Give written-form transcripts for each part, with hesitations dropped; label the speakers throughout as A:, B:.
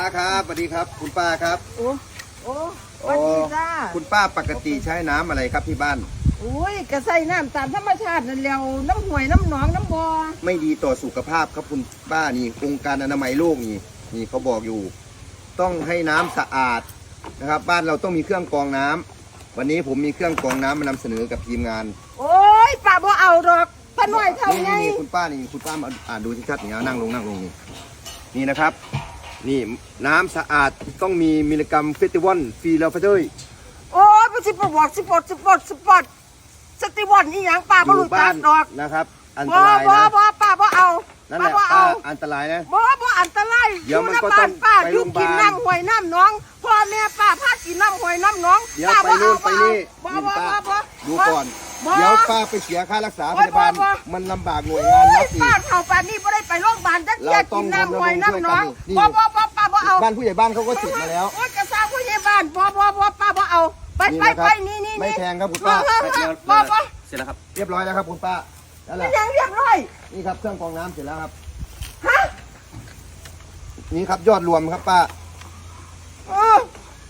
A: ครับสวัสดีครับคุณป้าครับ
B: โอ้โอ้สวัสดีจ้า
A: คุณป้าปกติใช้น้ำอะไรครับที่บ้าน
B: อุ้ยกระใส่น้ำตามธรรมชาตินั่นแล้วน้ำห่วยน้ำหนองน้ำบ่อ
A: ไม่ดีต่อสุขภาพครับคุณป้านี่องค์การอนามัยโลกนี่เขาบอกอยู่ ต้องให้น้ำสะอาดนะครับ บ้านเราต้องมีเครื่องกรองน้ำวันนี้ผมมีเครื่องกรองน้ำมานำเสนอกับทีมงาน
B: โอ้ยป้าบ่เอาดอกป้าน้อยเท่าไง
A: นี่คุณป้ามาอ่านดูชัดๆนี่นั่งลงนี่นะครับ นี่น้ำสะอาดต้องมีมิลลิกรัมเฟสติวัลฟรีแล้วเฟ้ย
B: โอ้ยบ่สิบ่บอกสปอร์ตสติวันอีหยังป้าบ่รู้จักดอก
A: นะครับอันต
B: บ่
A: ราย
B: บ่
A: นะ
B: บ่ป้าบ่เอา
A: นั่น
B: ป้า
A: แหละ
B: บ่
A: ป้า
B: เอา
A: อันตรายนะ
B: บ่อันตราย
A: เดี๋ยวมันก็
B: บ้า
A: ต้อง
B: ป้า
A: ไป
B: อ
A: โร
B: ยู่
A: งพยาบาล
B: กินน้ำห่วยน้ำหนองพ่อแม่ป้าพากินน้ำห่วยน้ำหนอง
A: เดี๋ยว
B: ป้า
A: ไป
B: บ่
A: นู่
B: เอา
A: นไปนี่
B: บ่
A: นี่
B: บ่
A: ป้า
B: บ่
A: ดูก่อน
B: บ่
A: เดี๋ยวป้าไปเสียค่ารักษาพยาบาล
B: บ่
A: มันลำบากหน่วยงานรัฐอี
B: ป้าก เฒ่าป่านนี้บ่ได้ไปโรงพยาบาลจักเที่ย
A: เราต้
B: กิ
A: อง
B: นน้ำห่วยน้ำหนอง
A: นี่
B: บ่ป้าบ่เอา
A: บ้านผู้ใหญ่บ้านเขาก็ติดมาแล้ว
B: โอ้ยกระซ่าผู้ใหญ่บ้านบ่ป้าบ่เอาไป
A: นี่
B: ไป
A: นะครับ
B: ไปนี่
A: ไม่แพงครับคุณป้า
B: บ่
C: เสร็จแล้วครับ
A: เรียบร้อยแล้วครับคุณป้านั่นแห
B: นี่
A: ละ
B: ยังเรียบร้อย
A: นี่ครับเครื่องกรองน้ำเสร็จแล้วครับ
B: ฮะ
A: นี่ครับยอดรวมครับป้า
B: เออ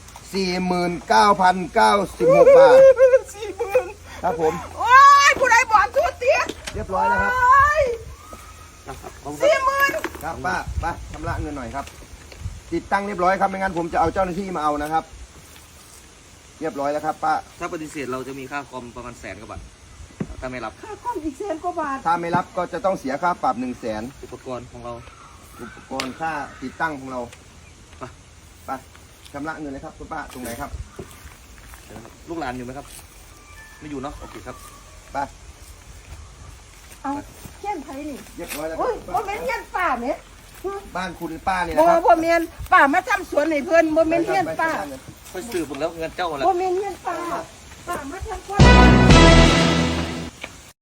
A: 49,096 บาท
B: 40,000
A: ครับผม
B: โอ้ยผู้ใดบอกทุเตี้ย
A: เรียบร้อยแล้วครับ
B: โอ้ย
C: นะครับขอบคุณครับ
B: 40,000
A: ครับป้าไปชำระเงินหน่อยครับ ติดตั้งเรียบร้อยครับไม่งั้นผมจะเอาเจ้าหน้าที่มาเอานะครับ เรียบร้อยแล้วครับป้า
C: ถ้าปฏิเสธเราจะมีค่าคอมประมาณ100,000 กว่าบาทถ้าไม่รับ
B: ค่าคอมอีก100,000 กว่าบาท
A: ถ้าไม่รับก็จะต้องเสียค่าปรับ 100,000
C: อุปกรณ์ของเรา
A: อุปกรณ์ค่าติดตั้งของเรา
C: ไป
A: ไปชำระเงินเลยครับคุณป้าตรงไหนครับ
C: เดี๋ยวนะครับลูกหลานอยู่ไหมครับ ไม่อยู่เนาะโอเคครับ
A: ไป
B: เอาเขียนไผนี่
A: เรียบร้อยแล้วค
B: โอ้
A: รับ
B: ย
A: คุณ
B: บ่
A: ป้า
B: แม่นเฮียนป้าแหม
A: บ้านคุณป้าเนี่ย
B: บ่
A: นะครับ
B: บ่แม่นป้ามาทำสวนให้เพิ่นบ่แม่นเฮียนป้า
C: ค่อยสืบหมดแล้วเงินเจ้าหมดแล้ว
B: บ่แม่นเฮียนป้าป้ามาทำสวน